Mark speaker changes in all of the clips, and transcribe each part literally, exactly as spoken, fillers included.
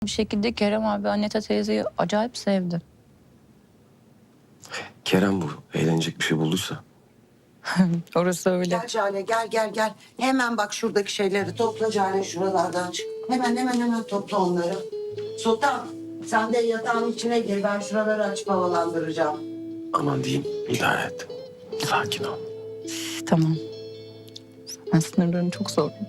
Speaker 1: Bir şekilde Kerem abi Anneta teyzeyi acayip sevdi.
Speaker 2: Kerem bu. Eğlenecek bir şey bulduysa.
Speaker 1: Orası öyle.
Speaker 3: Gel Cale gel gel gel. Hemen bak şuradaki şeyleri topla Cale şuralardan çık. Hemen hemen hemen topla onları. Sultan sen de yatağın içine gir. Ben şuraları açıp havalandıracağım.
Speaker 2: Aman diyeyim, idare et. Sakin ol.
Speaker 1: Tamam. Ben sınırlarını çok zorladım.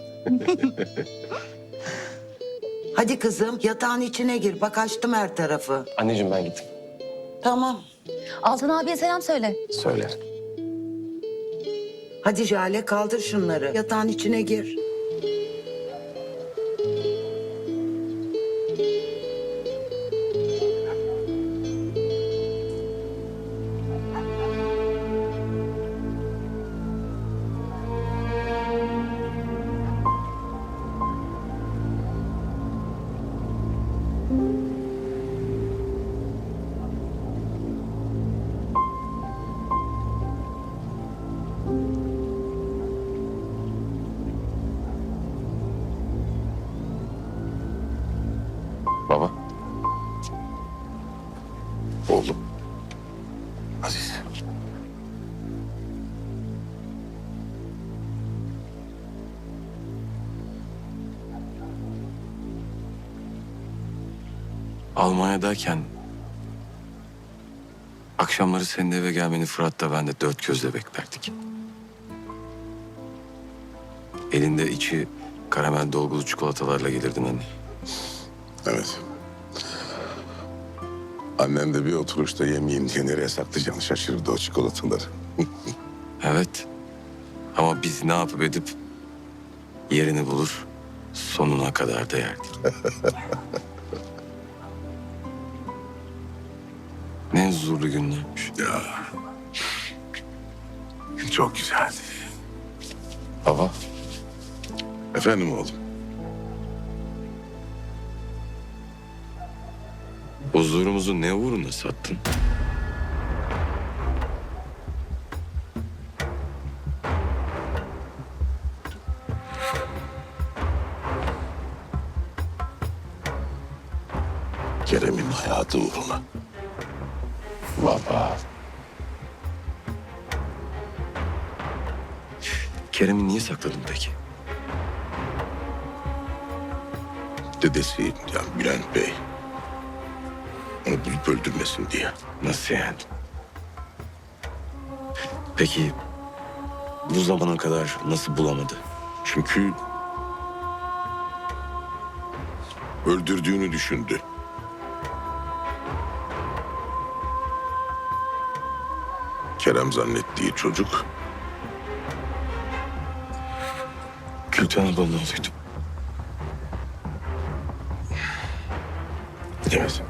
Speaker 3: Hadi kızım yatağın içine gir. Bak açtım her tarafı.
Speaker 2: Anneciğim ben gittim.
Speaker 3: Tamam.
Speaker 1: Altan abiye selam söyle.
Speaker 2: Söyle.
Speaker 3: Hadi Jale kaldır şunları. Yatağın içine gir.
Speaker 2: Baba.
Speaker 4: Oğlum. Aziz.
Speaker 2: Almanya'dayken akşamları senin eve gelmeni Fırat'ta ben de dört gözle beklerdik. Elinde içi karamel dolgulu çikolatalarla gelirdin anne.
Speaker 4: Evet. Annem de bir oturuşta yemeğin diye nereye saklayacağını şaşırırdı o çikolataları.
Speaker 2: Evet. Ama biz ne yapıp edip yerini bulur, sonuna kadar da yerdik. Ne huzurlu günlermiş.
Speaker 4: Ya. Çok güzeldi.
Speaker 2: Baba,
Speaker 4: Efendim oğlum.
Speaker 2: huzurumuzu ne uğruna sattın?
Speaker 4: Kerem'in hayatı uğruna.
Speaker 2: Baba. Kerem'i niye sakladın peki?
Speaker 4: Dedesi yani Bülent Bey. Onu bulup öldürmesin diye.
Speaker 2: Nasıl yani? Peki bu zamana kadar nasıl bulamadı?
Speaker 4: Çünkü öldürdüğünü düşündü. Kerem zannettiği çocuk
Speaker 2: Gülten ablanın oğluydu.
Speaker 4: evet.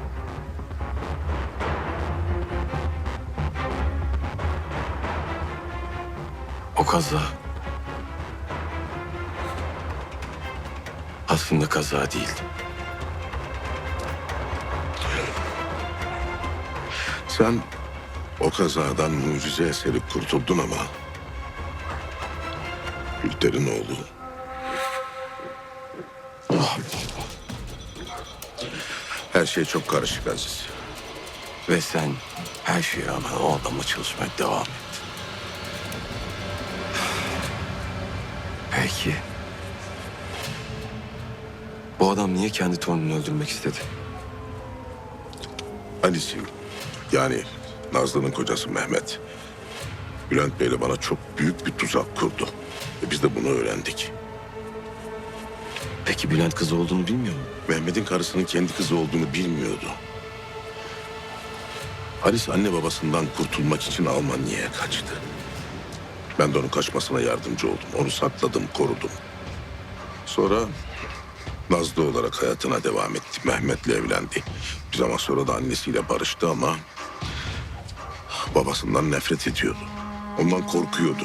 Speaker 2: O kaza aslında kaza değildi.
Speaker 4: Sen o kazadan mucize eseri kurtuldun ama Gülter'in oğlu
Speaker 2: Ah,
Speaker 4: her şey çok karışık Aziz.
Speaker 2: ve sen her şeye rağmen o adamla çalışmaya devam et. Peki. Bu adam niye kendi torununu öldürmek istedi?
Speaker 4: Ali'si yani Nazlı'nın kocası Mehmet Bülent Bey'le bana çok büyük bir tuzak kurdu. Ve biz de bunu öğrendik.
Speaker 2: Peki Bülent kızı olduğunu bilmiyor mu?
Speaker 4: Mehmet'in karısının kendi kızı olduğunu bilmiyordu. Alice anne babasından kurtulmak için Almanya'ya kaçtı. Ben de onun kaçmasına yardımcı oldum. Onu sakladım, korudum. Sonra Nazlı olarak hayatına devam etti. Mehmet'le evlendi. Bir zaman sonra da annesiyle barıştı ama babasından nefret ediyordu. Ondan korkuyordu.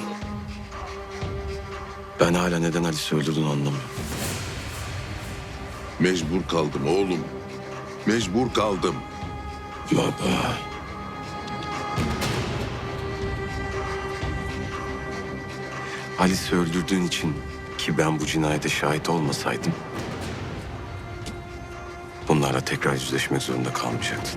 Speaker 2: Ben hala neden Alice'i öldürdüğünü anlamıyorum.
Speaker 4: Mecbur kaldım oğlum. Mecbur kaldım.
Speaker 2: Baba. Alice'i öldürdüğün için ki ben bu cinayete şahit olmasaydım bunlarla tekrar yüzleşmek zorunda kalmayacaktın.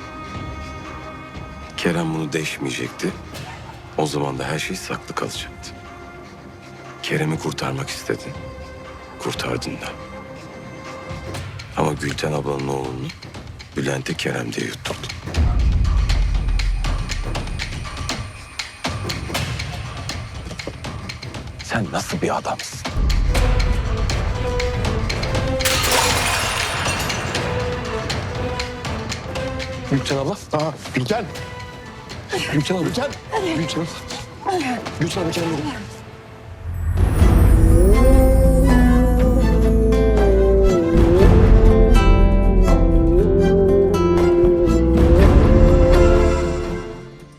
Speaker 2: Kerem bunu deşmeyecekti. O zaman da her şey saklı kalacaktı. Kerem'i kurtarmak istedin. Kurtardın da. Ama Gülten ablanın oğlunu Bülent'e Kerem diye yutturdun. Sen nasıl bir adamsın?
Speaker 5: Gülten abla. Aa, Gülten. Gülten abla. Gülten. Gülten. Gülten abla kendine.